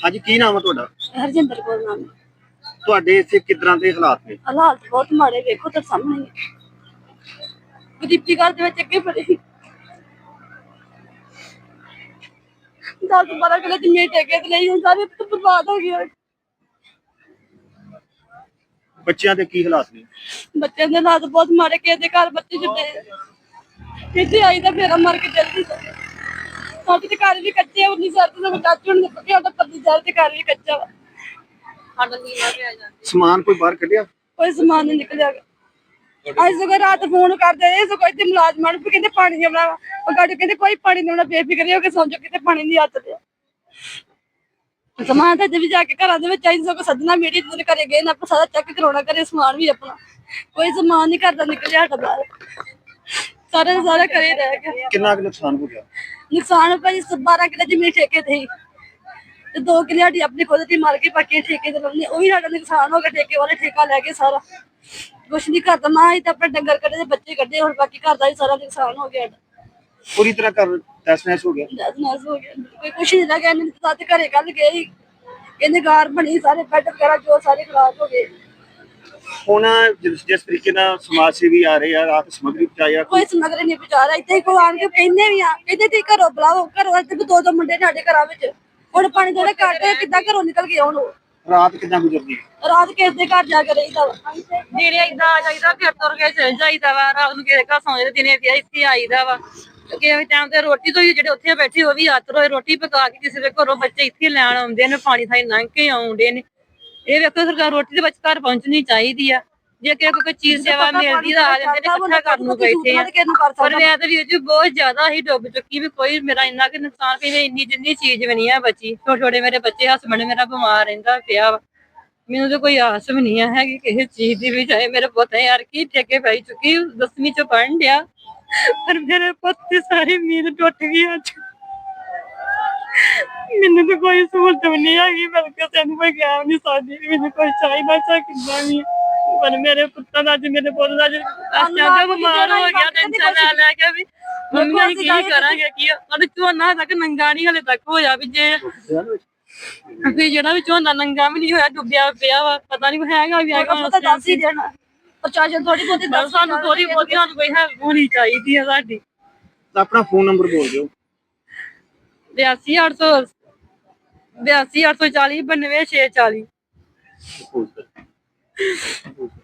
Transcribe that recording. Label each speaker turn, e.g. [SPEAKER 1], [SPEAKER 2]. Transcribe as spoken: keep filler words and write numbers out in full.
[SPEAKER 1] ਹਾਂਜੀ ਕੀ ਨਾਮ ਹੈ ਤੁਹਾਡਾ?
[SPEAKER 2] ਹਰਜਿੰਦਰ ਕੌਰ ਨਾਮ ਹੈ।
[SPEAKER 1] ਤੁਹਾਡੇ ਇੱਥੇ ਕਿੱਦਾਂ ਦੇ ਹਾਲਾਤ ਨੇ?
[SPEAKER 2] ਹਾਲਾਤ ਬਹੁਤ ਮਾੜੇ, ਵੇਖੋ ਤਾਂ ਸਾਹਮਣੇ ਹੀ ਹੈ। ਗਰੀਬੀ ਘਰ ਦੇ ਵਿੱਚ ਅੱਗੇ ਬੜੇ ਸੀ। ਦਸ ਬਾਰਾਂ ਕਿੱਲੇ ਜ਼ਮੀਨ ਠੇਕੇ ਤੇ ਲਈ, ਹੁਣ ਸਾਰੇ ਬਰਬਾਦ ਹੋ ਗਏ।
[SPEAKER 1] ਬੱਚਿਆਂ ਦੇ ਕੀ ਹਾਲਾਤ ਨੇ?
[SPEAKER 2] ਬੱਚਿਆਂ ਦੇ ਹਾਲਾਤ ਬਹੁਤ ਮਾੜੇ, ਕਿਸੇ ਦੇ ਘਰ ਬੱਚੇ ਛੱਡੇ ਇੱਥੇ ਆਈ ਤਾਂ ਫੇਰ ਮਰ ਕੇ ਜਲਦੀ ਸਾਡੇ ਤੇ ਘਰ ਵੀ ਕੱਚੇ, ਉਨੀ ਸਰਦ ਦੇ ਚਾਚੂ ਨੇ ਪੱਕਿਆ ਤਾਂ ਪੱਤੀ ਜਲ ਤੇ ਘਰ ਵੀ ਕੱਚਾ ਵਾ। ਸਾਡਾ ਨੀਵਾ ਪਿਆ ਜਾਂਦਾ,
[SPEAKER 1] ਸਮਾਨ ਕੋਈ ਬਾਹਰ ਕੱਢਿਆ?
[SPEAKER 2] ਕੋਈ ਸਮਾਨ ਨਹੀਂ ਨਿਕਲਿਆ। ਅੱਜ ਸਗੋਂ ਰਾਤ ਫੋਨ ਕਰਦੇ ਰਹੇ, ਸਗੋਂ ਇੱਥੇ ਮੁਲਾਜ਼ਮਾਂ ਨੂੰ ਕਹਿੰਦੇ ਪਾਣੀ ਆਉਣਾ ਵਾ, ਉਹ ਗਾੜੀ ਕਹਿੰਦੇ ਕੋਈ ਪਾਣੀ ਨਹੀਂ ਆਉਣਾ, ਬੇਫਿਕਰੇ ਹੋ ਕੇ ਸਮਝੋ ਕਿਤੇ ਪਾਣੀ ਨਹੀਂ ਹੱਥ ਲਿਆ। ਸਮਾਨ ਤਾਂ ਵੀ ਜਾ ਕੇ ਘਰਾਂ ਦੇ ਵਿੱਚ ਆਈ, ਸਗੋਂ ਸੱਜਣਾ ਮੀਡੀਆ ਦੇ ਘਰੇ ਗਏ ਨਾ, ਆਪਾਂ ਸਾਰਾ ਚੈੱਕ ਕਰਾਉਣਾ ਘਰੇ ਸਮਾਨ ਵੀ ਆਪਣਾ, ਕੋਈ ਸਮਾਨ ਨਹੀਂ ਕਰਦਾ ਨਿਕਲਿਆ ਸਾਡਾ ਬਾਹਰ, ਸਾਰੇ ਸਾਰੇ ਘਰੇ ਰਹਿ ਗਿਆ।
[SPEAKER 1] ਕਿੰਨਾ ਕੁ ਨੁਕਸਾਨ ਹੋ ਗਿਆ?
[SPEAKER 2] ਨੁਕਸਾਨ ਭਾਜੀ ਬਾਰਾਂ ਕਿੱਲੇ ਜ਼ਮੀਨ ਠੇਕੇ ਤੇ ਹੀ, ਤੇ ਦੋ ਕਿੱਲੇ ਸਾਡੀ ਆਪਣੀ ਖੁਦ ਦੀ ਮਾਰ ਕੇ ਬਾਕੀ ਠੇਕੇ ਤੇ ਲਾਉਂਦੇ, ਉਹ ਵੀ ਸਾਡਾ ਨੁਕਸਾਨ ਹੋ ਗਿਆ। ਠੇਕੇ ਵਾਲੇ ਠੇਕਾ ਲੈ ਕੇ ਸਾਰਾ ਕੁਛ ਨੀ ਕਰਦਾ, ਨਾ ਹੀ ਤਾਂ ਆਪਣੇ ਡੰਗਰ ਕੱਢੇ ਤੇ ਬੱਚੇ ਕੱਢੇ, ਹੁਣ ਬਾਕੀ ਘਰ ਦਾ ਵੀ ਸਾਰਾ ਨੁਕਸਾਨ ਹੋ ਗਿਆ।
[SPEAKER 1] ਪੂਰੀ ਤਰ੍ਹਾਂ ਕਰ ਤਹਿਸ ਨਹਿਸ ਹੋ ਗਿਆ।
[SPEAKER 2] ਤਹਿਸ ਨਹਿਸ ਹੋ ਗਿਆ, ਕੋਈ ਕੁਛ ਨਹੀਂ ਲੱਗਿਆ। ਨਹੀਂ ਤਾਂ ਤੇ ਘਰੇ ਕੱਲ ਗਏ ਸੀ, ਕਹਿੰਦੇ ਗਾਰ ਬਣੀ, ਸਾਰੇ ਬੈੱਡ ਵਗੈਰਾ ਜੋ ਸਾਰੇ ਖਰਾਬ ਹੋ ਗਏ।
[SPEAKER 1] ਹੁਣ ਜਿਸ ਜਿਸ ਤਰੀਕੇ ਨਾਲ ਸਮਾਜ ਸੇਵੀ ਆ ਰਹੇ ਆ, ਰਾਤ ਸਮਗਰੀ ਪਹੁੰਚਾਇਆ,
[SPEAKER 2] ਕੋਈ ਸਮਗਰੀ ਨਹੀਂ ਪਹੁੰਚਾ ਰਿਹਾ। ਇੱਥੇ ਕੋਈ ਆਣ ਕੇ ਕਹਿੰਦੇ ਵੀ ਆ, ਕਹਿੰਦੇ ਤੁਸੀਂ ਘਰੋਂ ਬੁਲਾਓ, ਘਰੋਂ ਇੱਥੇ ਦੋ ਦੋ ਮੁੰਡੇ ਸਾਡੇ ਘਰਾਂ ਵਿੱਚ, ਹੁਣ ਪਾਣੀ ਥੋੜੇ ਕੱਢ ਕਿੱਦਾਂ ਘਰੋਂ ਨਿਕਲ ਕੇ ਆਉਣ।
[SPEAKER 1] ਰਾਤ ਕਿੱਦਾਂ ਗੁਜ਼ਰਦੀ?
[SPEAKER 2] ਰਾਤ ਕਿਸੇ ਦੇ ਘਰ ਜਾ ਕੇ ਰਹੀਦਾ ਵਾ,
[SPEAKER 3] ਦਿਨੇ ਏਦਾਂ ਆ ਜਾਈਦਾ, ਫਿਰ ਤੁਰ ਕੇ ਚਲ ਜਾਈਦਾ ਵਾ, ਰਾਤ ਨੂੰ ਕਿਸੇ ਘਰ ਸੌਂ ਜਾਂਦੇ, ਦਿਨੇ ਫਿਰ ਇੱਥੇ ਆਈਦਾ ਵਾ। ਕਿਸੇ ਟਾਈਮ ਤੇ ਰੋਟੀ ਤੋਂ ਹੀ ਜਿਹੜੇ ਉੱਥੇ ਬੈਠੇ ਉਹ ਵੀ ਹੱਥ ਰੋਏ, ਰੋਟੀ ਪਕਾ ਕੇ ਕਿਸੇ ਦੇ ਘਰੋਂ ਬੱਚੇ ਇੱਥੇ ਲੈਣ ਆਉਂਦੇ ਨੇ, ਪਾਣੀ ਥਾਈ ਲੰਘ ਕੇ ਆਉਂਦੇ ਨੇ। ਇਹ ਵੇਖੋ ਸਰਕਾਰ ਰੋਟੀ ਦੇ ਵਿੱਚ ਘਰ ਪਹੁੰਚਣੀ ਚਾਹੀਦੀ ਆ, ਜੇ ਕਿਸੇ ਕੋਈ ਚੀਜ਼ ਸੇਵਾ ਮਿਲਦੀ ਤਾਂ ਆ ਜਾਂਦੇ ਨੇ, ਇਕੱਠਾ ਕਰਨ ਨੂੰ ਬੈਠੇ ਆ। ਪਰ ਮੈਂ ਤਾਂ ਵੀਰ ਜੀ ਬਹੁਤ ਜ਼ਿਆਦਾ ਹੀ ਡੁੱਬ ਚੁੱਕੀ ਵੀ, ਕੋਈ ਮੇਰਾ ਇੰਨਾ ਕਿ ਨੁਕਸਾਨ ਵੀ ਇੰਨੀ ਜਿੰਨੀ ਚੀਜ਼ ਵੀ ਨਹੀਂ ਆ ਬਚੀ। ਛੋਟੇ ਛੋਟੇ ਮੇਰੇ ਬੱਚੇ, ਹਸਬੈਂਡ ਮੇਰਾ ਬਿਮਾਰ ਰਹਿੰਦਾ ਪਿਆ ਵਾ, ਮੈਨੂੰ ਤਾਂ ਕੋਈ ਆਸ ਵੀ ਨਹੀਂ ਹੈਗੀ ਕਿਸੇ ਚੀਜ਼ ਦੀ ਵੀ। ਚਾਹੇ ਮੇਰੇ ਪੁੱਤ ਯਾਰ ਕੀ ਠੇਕੇ ਪੈ ਚੁੱਕੀ, ਦਸਵੀਂ ਚ ਪੜ੍ਹਨ ਡਿਆ, ਪਰ ਮੇਰੇ ਪੁੱਤ ਦੀ ਸਾਰੀ ਉਮੀਦ ਟੁੱਟ ਗਈ ਅੱਜ। ਮੈਨੂੰ ਤਾਂ ਕੋਈ ਸਹੂਲਤ ਵੀ ਨਹੀਂ ਹੈਗੀ, ਮੈਂ ਕਿਸੇ ਨੂੰ ਕੋਈ ਕਹਿ ਨਹੀਂ ਸਕਦੀ, ਮੈਨੂੰ ਕੋਈ ਚਾਹੀਦਾ ਚਾਹ ਕਿੱਦਾਂ ਵੀ। ਪਰ ਮੇਰੇ ਪੁੱਤਾਂ ਦਾ ਅੱਜ, ਮੇਰੇ ਪੁੱਤ ਦਾ ਅੱਜ ਅਚਾਨਕ ਬਿਮਾਰ ਹੋ ਗਿਆ, ਟੈਨਸ਼ਨ ਲੈ ਲੈ ਕੇ ਵੀ ਮੰਮੀ ਅਸੀਂ ਕੀ ਕਰਾਂਗੇ, ਕੀ ਸਾਡੇ ਝੋਨਾ ਤੱਕ ਨੰਗਾ ਨਹੀਂ ਹਲੇ ਤੱਕ ਹੋਇਆ ਵੀ, ਜੇ ਵੀ ਜਿਹੜਾ ਵੀ ਝੋਨਾ ਨੰਗਾ ਵੀ ਨਹੀਂ ਹੋਇਆ, ਡੁੱਬਿਆ ਪਿਆ ਵਾ, ਪਤਾ ਨਹੀਂ ਹੈਗਾ ਵੀ ਹੈਗਾ।
[SPEAKER 2] ਦੱਸ ਹੀ ਦੇਣਾ ਪ੍ਰਸ਼ਾਸਨ, ਥੋੜੀ ਬਹੁਤੀ
[SPEAKER 3] ਦੱਸ ਸਾਨੂੰ, ਥੋੜੀ ਬਹੁਤੀ ਸਾਨੂੰ ਕੋਈ ਹੈਲਪ ਹੋਣੀ ਚਾਹੀਦੀ ਹੈ ਸਾਡੀ।
[SPEAKER 1] ਆਪਣਾ ਫੋਨ ਨੰਬਰ ਬੋਲ ਦਿਓ।
[SPEAKER 3] ਬਿਆਸੀ ਅੱਠ ਸੌ ਬਿਆਸੀ ਅੱਠ ਸੌ ਚਾਲੀ ਬਾਨਵੇਂ ਛੇ ਚਾਲੀ।